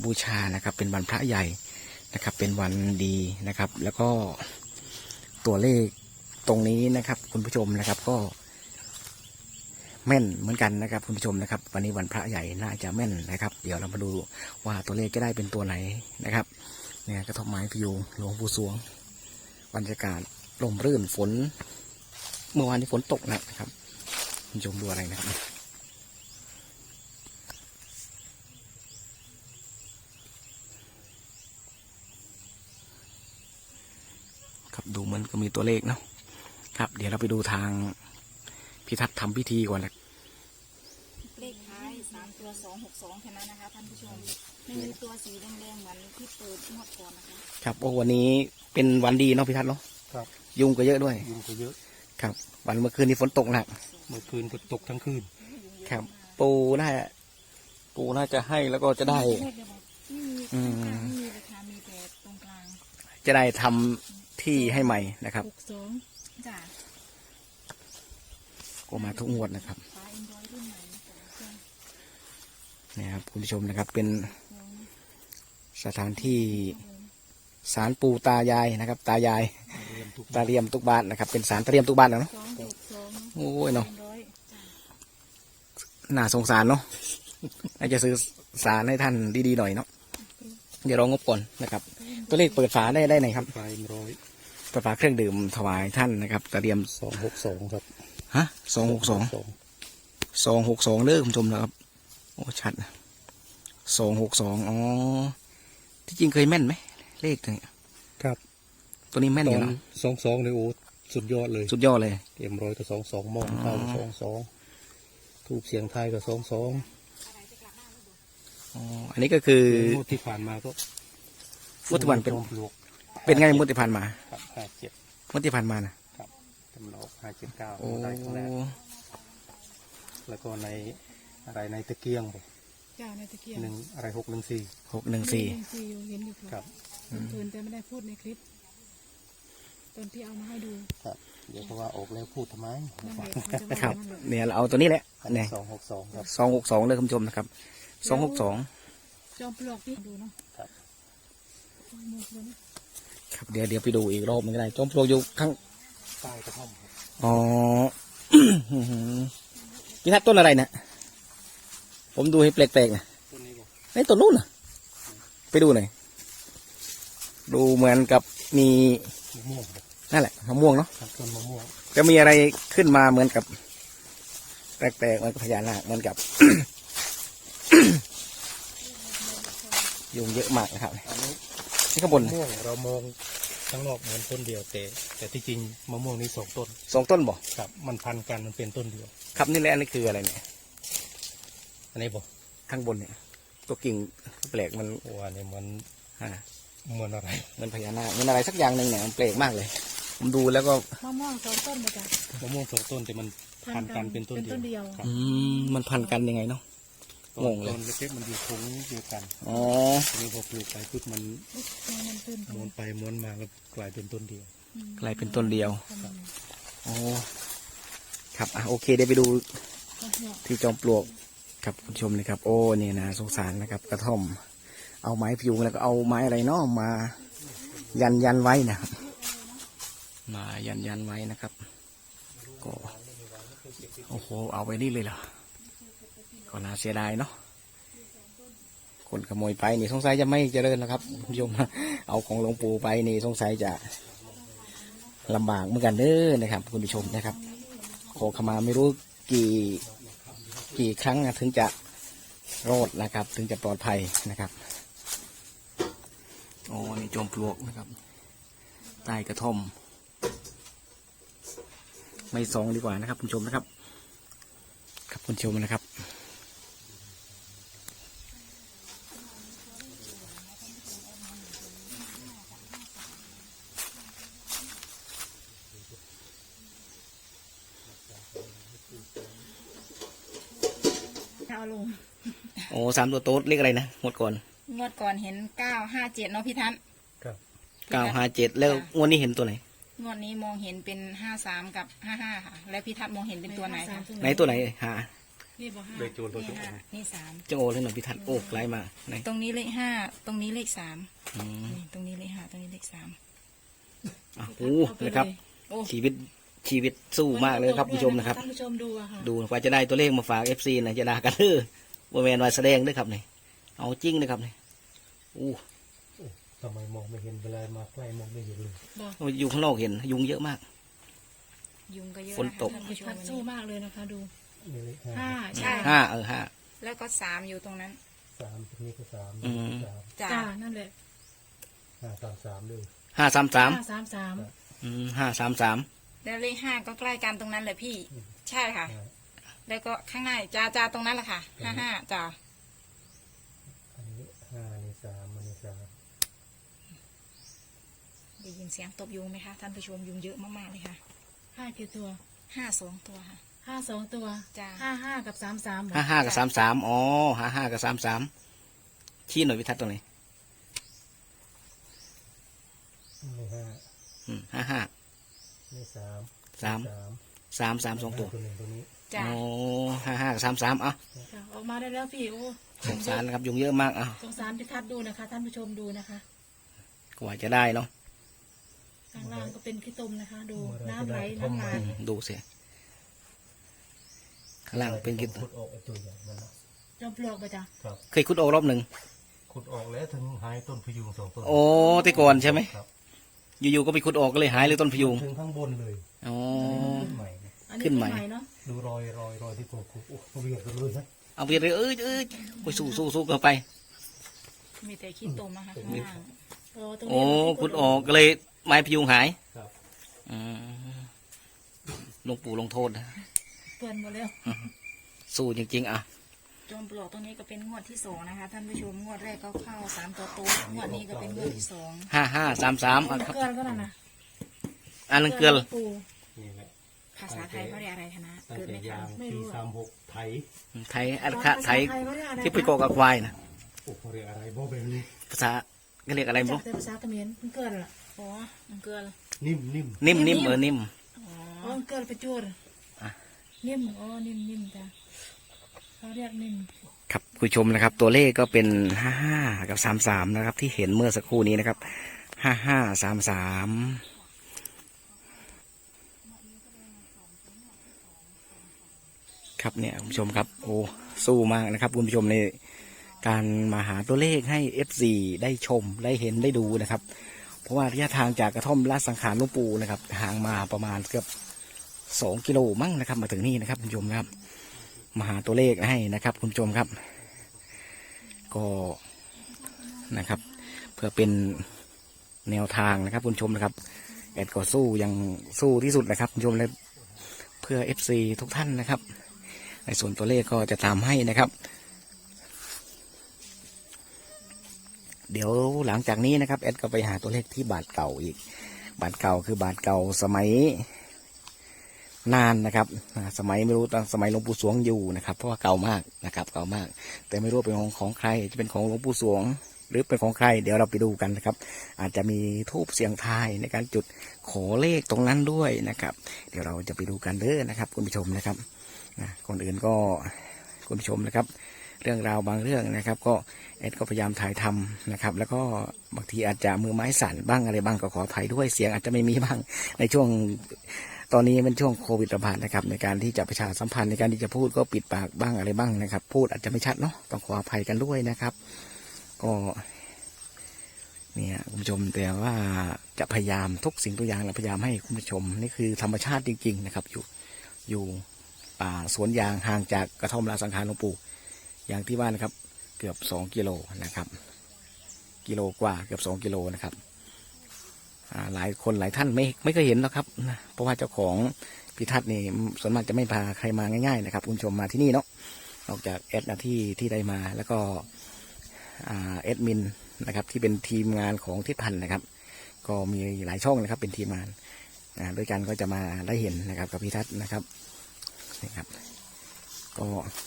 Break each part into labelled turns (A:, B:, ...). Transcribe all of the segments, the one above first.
A: บูชานะครับเป็นวันพระใหญ่นะครับเป็นวันดีนะครับแล้วก็ตัวเลขตรงนี้นะครับคุณผู้ชมนะครับก็แม่นเหมือนกันนะครับคุณผู้ชมนะครับวันนี้วันพระใหญ่น่าจะแม่นนะครับเดี๋ยวเรามาดูว่าตัวเลขจะได้เป็นตัวไหนนะครับเนี่ยกระทบไม้พยุงหลวงปู่สวงบรรยากาศลมรื่นฝนเมื่อวานนี้ฝนตกนะครับคุณผู้ชมดูอะไรนะครับครับดูเหมือนก็มีตัวเลขเนาะครับเดี๋ยวเราไปดูทางพิทักษ์ทำพิธีก่อนนะ
B: เลขท้าย3 ตัว 262แค่นั้นนะคะท่านผู้ชมไม่มีตัวสีแดงๆเหมือนที่เปิดงวดก่อนนะคะ
A: ครับโอ้วันนี้เป็นวันดีเนาะพิทักษ์เนาะ
C: ครับ
A: ยุงก็เยอะด้วย
C: ยุงก็เยอะ
A: ครับวันเมื่อคืนนี้ฝนตกหนัก
C: เมื่อคืนฝนตกทั้งคืน
A: ครับปูน่าจะให้แล้วก็จะได้
B: ไม่มีราคามีแต่ตรงกลาง
A: จะได้ทำที่ให้ใหม่นะครับ
B: 62จ้ะ
A: ก็มาทุกงวดนะครับนี่ครับคุณผู้ชมนะครับเป็นสถานที่ศาลปู่ตายายนะครับตายายตาเรียมทุกบ้านนะครับเป็นศาลตาเรียมทุกบ้านเนาะโอ้ยเนาะน่าสงสารเนาะน่าจะซื้อศาลให้ท่านดีๆหน่อยเนาะเดี๋ยวรองบก่อนนะครับตัวเลขเปิดฝาได้ไหนครับเปิดฝาเครื่องดื่มถวายท่านนะครับตาเรียม
C: 262ครับ
A: ฮะ262เลิกคุณผู้ชมนะครับโอ้ชัด262อ๋อที่จริงเคยแม่นไหมเลขตัวนี้
C: ครับ
A: ตัวนี้แม่นอยู่นะ
C: 22เลยโอ้สุดยอดเลย
A: สุดยอดเลย
C: 100กับ22มองเข้า22ทูบเสียงไทยกับ22
A: อ๋ออันนี้ก็คือง
C: วดที่ผ่านมาก็
A: งวดที่ผ่านเป็นไงงวดที่ผ่านมา
C: ครับ57
A: งวดที่ผ่านมานะครับ
C: จำลอง579ได้ครั้งแรกแล้วก็ในอะไรในตะเกียงบอก
B: จ้าในตะเกียง
C: อะไร614
B: เห็นอยู่ครับเพิ่นแต่ไม่ได้พูดในคลิปตอนที่เอามาให้ดู
C: ครับเดี๋ยวเพราะว่าออกแล้วพูดทำไม
A: ครับเนี่ยเราเอาตัวนี้แหละเนี่ย
C: 262ครับ
A: 262เลยคุณผู้ชมนะครับ262
B: จอมปลวกที่ดูเนาะ
C: ครับ
A: ครับเดี๋ยวไปดูอีกรอบนึงก็ได้จอมปลวกอยู่ข้าง
C: ใต้กระท่อม
A: อ๋อพี่ทัดต้นอะไรนะผมดูให้แปลกๆนะไอ้ต้นนู้นน่ะไปดูหน่อยดูเหมือนกับมีนั่นแหละมะม่วงเนาะ
C: ต้นมะม่วง
A: จะมีอะไรขึ้นมาเหมือนกับแปลกๆเหมือนพญานาคเหมือนกับ ยุงเยอะมากนะครับนี่ข้างบน
C: ม่วงเรามองข้างนอกเหมือนต้นเดียวแต่ที่จริงมะม่วงนี่2 ต้น
A: 2 ต้นบ่
C: ครับมันพันกันมันเป็นต้นเดียว
A: ครับนี่แหละนี่คืออะไรเนี่ย
C: อันนี้บ่
A: ข้างบนเนี่ยตัวกิ่งแปลกมัน
C: ว่าเนี่ยมันเหมือนอะไร
A: เหมือนพญานาคเหมือนอะไรสักอย่างหนึ่งเนี่ยมันแปลกมากเลยผมดูแล้วก็
B: มะม่วง2 ต้นเลยจ้ะ
C: มะม่วง2 ต้นแต่มันพันกันเป็นต้นเดียว
A: มันพันกันยังไงเนาะงงเลย
C: ต้นเล็กๆมันอยู่ถุงเดียวกัน
A: อ๋อ
C: นี่พอปลูกไปปุ๊บมันม้วนไปม้วนมาแล้วกลายเป็นต้นเดียว
A: กลายเป็นต้นเดียวโอ้ครับโอเคเดี๋ยวไปดูที่จอมปลวกครับคุณผู้ชมนะครับโอ้เนี่ยนะสงสารนะครับกระท่อมเอาไม้พยุงแล้วก็เอาไม้อะไรเนาะมายันไว้นะครับมายันไว้นะครับก็โอ้โหเอาไว้นี่เลยเหรอก็น่าเสียดายเนาะคนขโมยไปนี่สงสัยจะไม่เจริญแล้วครับคุณผู้ชมเอาของหลวงปู่ไปนี่สงสัยจะลำบากเหมือนกันเด้อนะครับคุณผู้ชมนะครับขอขมาไม่รู้กี่ครั้งถึงจะรอดนะครับถึงจะปลอดภัยนะครับโอ้นี่จอมปลวกนะครับใต้กระท่อมไม่ส่องดีกว่านะครับคุณผู้ชมนะครับครับคุณผู้ชมนะครับ
B: เอาลง
A: โอ้3 ตัวโต๊ดเลขอะไรนะงวดก่
B: อนเห็น957เนาะพี่ทัศน์
C: ครับ
A: 957แล้วงวดนี้เห็นตัวไหน
B: งวดนี้มองเห็นเป็น53กับ55ค่ะแล้วพี่ทัศน์มองเห็นเป็นตัวไหนคะ
A: ไหนตัวไหนหา
B: นี่บอกห้า
C: เลขโจรตัว
B: นี่
C: โจร
B: ห้านี่สาม
A: จังโอเลยหน่อยพิทัศน์โอ้ไกลมากไหน
B: ตรงนี้เลขห้าตรงนี้เลขสาม
A: อืม
B: นี่ตรงนี้เลขห้าตรงนี้เลขสาม
A: อ่ะโอ้นะครับ
B: โอ้
A: ชีวิตสู้มากเลยครับคุณผู้ชมนะครับ
B: ท่านผู้ชมดูอะค่ะ
A: ดูกว่าจะได้ตัวเลขมาฝาก FC นะจะด่ากันเด้อบ่แม่นว่าแสดงเด้วยครับนี่เอาจริงนะครับนี่อู้
C: ทำไมมองไม่เห็นเวลามาใกล้มองไม่เห็นเลย
B: บอก
A: อยู่ข้างนอกเห็นยุงเยอะมาก
B: ยุงก็เยอะ
A: ฝนตก
B: ท่าน
D: พิ
B: ผู้ช
D: พั
B: ม
D: ฒน์สู้มากเลยนะคะดู
C: นี่เลข
D: ห้า
B: ใช่
A: ห้า
B: แล้วก็สามอยู่ตรงนั้น
C: สามตรงนี้ก็สาม
A: อืม
C: สาม
B: จ้า
D: จ้านั่นแหละ
C: 533ด้วย
A: 533
D: 533
A: 533
B: แล้วเลขห้าก็ใกล้กันตรงนั้นเลยพี่ ใช่ค่ะ แล้วก็ข้างในจ้าตรงนั้นแหละค่ะห้าจ้า
C: อันนี้5นี่3อันนี้3
B: ได้ยินเสียงตบยุงไหมคะท่านผู้ชมยุงเยอะมากๆเลยค่ะ
D: 5กี่ตัว
B: 2 ตัวค่ะ
D: 52ตัว
B: จ้า
D: 55กับ33หมด
A: 55กับ33อ๋อ55กับ33ชี้หน่อยพิทัศน์ตรงไหน
C: นี่5
A: 55
C: นี่3
A: 3 2ตัว
C: ตัวหนึ่งตัวนี้
B: จ้า
A: อ๋อ55กับ33อ่ะ
D: จ้ะออกมาได้แล้วพี่โอ้
A: สงสารนะครับยุงเยอะมากอ่ะ
D: สงสารพิทัศน์ดูนะคะ ท่านผู้ชมดูนะคะ
A: กว่าจะได้เนาะ
D: ข้างล่างก็เป็นขี้ตุ่มนะคะ ดูน้ำไหลน้ำมา
A: ดูสิข้างล่างเป็นกิน
C: ขุดออกไอ้ตัวใหญ่มันนะ
D: จอมปลวกไปจ้ะ
C: ครับ
A: เคยขุดออกรอบหนึ่ง
C: ขุดออกแล้วถึงหายต้นพยุง2ต้น
A: โอ้แต่ก่อนใช่ไหม
C: ครับ
A: อยู่ๆก็ไปขุดออกก็เลยหายเลยต้นพยุง
C: ถึงข้างบนเลย
A: อ๋อ
C: ขึ้นใหม่นะ
D: อันนี้
A: ขึ้นใหม่
D: เนาะ
C: ดูรอยที่ผมขุดโอ้โหเรียกกันเลยนะ
A: เอาไปเลยโอ้ยสู้กันไป
B: มีแต่ขี้ตุ่มนะคะข้างล่าง
D: ตรง
A: โอ้
D: นี้
A: ขุดออกก็เลยไม้พยุงหาย
C: ครับ
A: อืมหลวงปู่ลงโทษนะ
D: เปื่อนหมดแล้ว
A: สู้จริงๆอ่ะ
B: จอมปลวกตรงนี้ก็เป็นงวดที่สองนะคะท่านผู้ชมงวดแรกก็เข้า3 ตัวโต๊ะงวดนี้ก็เป็นงวดที่สอง
A: 5533อ่ะครับ
D: เกลือนก็นั่นนะ
A: อันนั้นเกลือ
D: ปู
C: นี่แหละ
B: ภาษาไทยเขาเรียกอะไรคะนะ
C: ตั้ง
B: เกิด
C: แต่
B: ไม่ทั
C: ยาน ง
D: ไม่
C: ปี
D: รู้อะ
C: 36ไถ
A: ไทยอันคะไทย
D: ภาษาเขาเรียกอะไร
A: ที่ไปโกกับควายนะ
C: โอ้โหเรียกอะไรบ่แบบนี้
A: ภาษาก็เรียกอะไรไม่
D: จาก
A: รู้
D: แต่ภาษาเขมรมันเกลือนล่ะ
B: โอ้มันเกลือ
C: นิ่ม
A: นิ่ม
D: นิ่
A: นิ่ม
D: ม
A: นิ่ม
B: อ๋อ
D: อ๋อมันเกลือนไปจูด
A: อ่ะ
D: นิ่มอ๋อนิ่มจ้ะเขาเรียกนิ่ม
A: ครับคุณผู้ชมนะครับ ตัวเลขก็เป็น55กับ33นะครับ ที่เห็นเมื่อสักครู่นี้นะครับ5533ครับเนี่ยคุณผู้ชมครับโอ้สู้มากนะครับคุณผู้ชมในการมาหาตัวเลขให้ FC ได้ชมได้เห็นได้ดูนะครับ เพราะว่าระยะทางจากกระท่อมราชสังขารหลวงปู่นะครับห่างมาประมาณเกือบ2 กิโลมั้งนะครับมาถึงนี่นะครับคุณผู้ชมครับมาหาตัวเลขให้นะครับคุณผู้ชมครับ ก็นะครับ เพื่อเป็นแนวทางนะครับคุณผู้ชมนะครับแอดก็สู้ยังสู้ที่สุดนะครับคุณผู้ชมเลยเพื่อ FC ทุกท่านนะครับ ในส่วนตัวเลขก็จะตามให้นะครับ เดี๋ยวหลังจากนี้นะครับแอดก็ไปหาตัวเลขที่บาทเก่าอีกบาทเก่าคือบาทเก่าสมัยนานนะครับสมัยไม่รู้ตอนสมัยหลวงปู่สวงอยู่นะครับเพราะว่าเก่ามากนะครับเก่ามาก แต่ไม่รู้เป็นของใครจะเป็นของหลวงปู่สวง หรือเป็นของใคร เดี๋ยวเราไปดูกันนะครับ อาจจะมีธูปเสียงทายในการจุดขอเลขตรงนั้นด้วยนะครับ เดี๋ยวเราจะไปดูกันเด้อนะครับคุณผู้ชมนะครับคนอื่นก็คุณผู้ชมนะครับ เรื่องราวบางเรื่องนะครับ ก็แอดก็พยายามถ่ายทำนะครับ แล้วก็บางทีอาจจะมือไม้สั่นบ้างอะไรบ้างก็ขออภัยด้วยเสียงอาจจะไม่มีบ้างในช่วงตอนนี้เป็นช่วงโควิดระบาดนะครับในการที่จะประชาสัมพันธ์ในการที่จะพูดก็ปิดปากบ้างอะไรบ้างนะครับ พูดอาจจะไม่ชัดเนาะต้องขออภัยกันด้วยนะครับ ก็เนี่ยคุณผู้ชมแต่ว่าจะพยายามทุกสิ่งทุกอย่างเราพยายามให้คุณผู้ชมนี่คือธรรมชาติจริงๆนะครับอยู่ป่าสวนยางห่างจากกระท่อมราชสังขารหลวงปู่อย่างที่ว่านะครับเกือบ2 กิโลนะครับกิโลกว่าเกือบ2 กิโลนะครับหลายคนหลายท่านไม่เคยเห็นหรอกครับนะเพราะว่าเจ้าของพิทัศน์นี่ส่วนมากจะไม่พาใครมาง่ายๆนะครับคุณผู้ชมมาที่นี่เนาะนอกจากแอดนะที่ได้มาแล้วก็แอดมินนะครับที่เป็นทีมงานของทิศพันธ์นะครับก็มีหลายช่องนะครับเป็นทีมงานด้วยกันก็จะมาได้เห็นนะครับกับพิทัศน์นะครับนี่ครับก็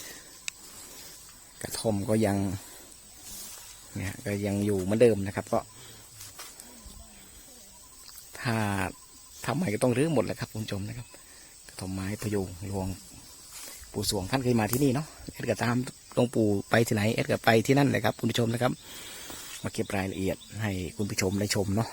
A: กระท่อมก็ยังเนี่ยก็ยังอยู่เหมือนเดิมนะครับก็ถ้าทำใหม่ก็ต้องรื้อหมดแหละครับคุณผู้ชมนะครับกระท่อมไม้พยุงรวงปู่สวงท่านเคยมาที่นี่เนาะแอดก็ตามหลวงปู่ไปที่ไหนแอดก็ไปที่นั่นเลยครับคุณผู้ชมนะครับมาเก็บรายละเอียดให้คุณผู้ชมได้ชมเนาะ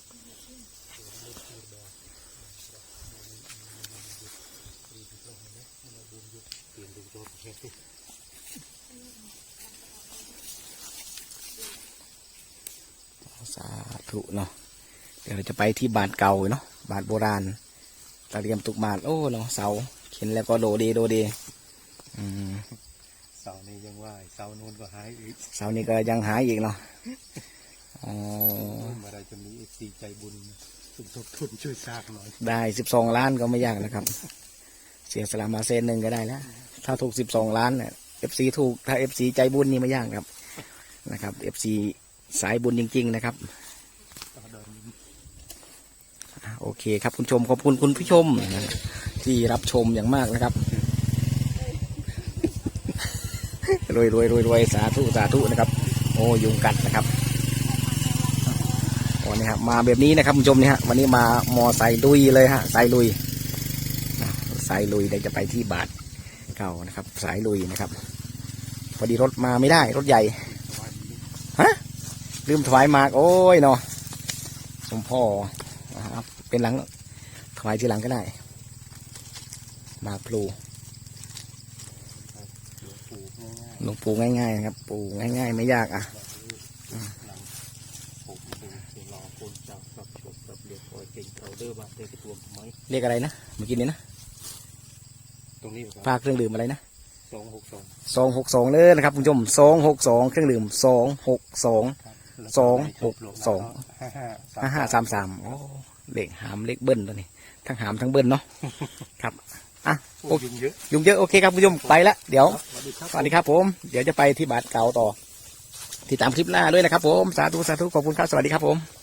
A: สาธุเนาะเดี๋ยวเราจะไปที่บาทเก่าเนาะบาทโบราณตะเรียมตุกบาทโอ้เนาะเสาเข็นแล้วก็โดเด
C: เสานี้ยังว่าเสาโน้นก็หายอีก
A: เสานี้ก็ยังหายอีกเนาะอ๋อ
C: เมื่อไรจะมีFCใจบุญสมทบทุนช่วยสร้างหน่อย
A: ได้12 ล้านก็ไม่ยากนะครับ เสียสละมา1 ก็ได้แล้วถ้าถูก12 ล้านเนี่ย FC ถูกถ้า FC ใจบุญนี่ไม่ยากครับนะครับ FC สายบุญจริงๆนะครับโอเคครับคุณผู้ชมขอบคุณคุณผู้ชมที่รับชมอย่างมากนะครับรวยสาธุนะครับโอ้ยุงกัดนะครับวันนี้ครับมาแบบนี้นะครับคุณผู้ชมนี่ฮะวันนี้มามอไซค์ลุยเลยฮะสายลุยเดี๋ยวจะไปที่บาทเก่านะครับสายลุยนะครับพอดีรถมาไม่ได้รถใหญ่ฮะลืมถวายหมากโอ้ยเนาะสมพ่อนะครับเป็นหลังถวายทีหลังก็ได้หมากพลูหลวงปู่ง่ายๆนะครับปู่ง่ายๆไม่ยากอ่ะเรียกอะไรนะเมื่อกี้นี้นะ
C: ตรงนี้
A: ฝากเครื่องดื่มอะไรนะ
C: 262
A: เลยนะครับคุณผู้ชม262เครื่องดื่ม5533โอ้เลขหามเลขเบิ้ลตัวนี้ทั้งหามทั้งเบิ้ลเนาะครับอ่ะโอเคยุงเยอะโอเคครับคุณผู้ชมไปละเดี๋ยวสวัสดีครับผมเดี๋ยวจะไปที่บาทเก่าต่อติดตามคลิปหน้าด้วยนะครับผมสาธุขอบคุณครับสวัสดีครับผม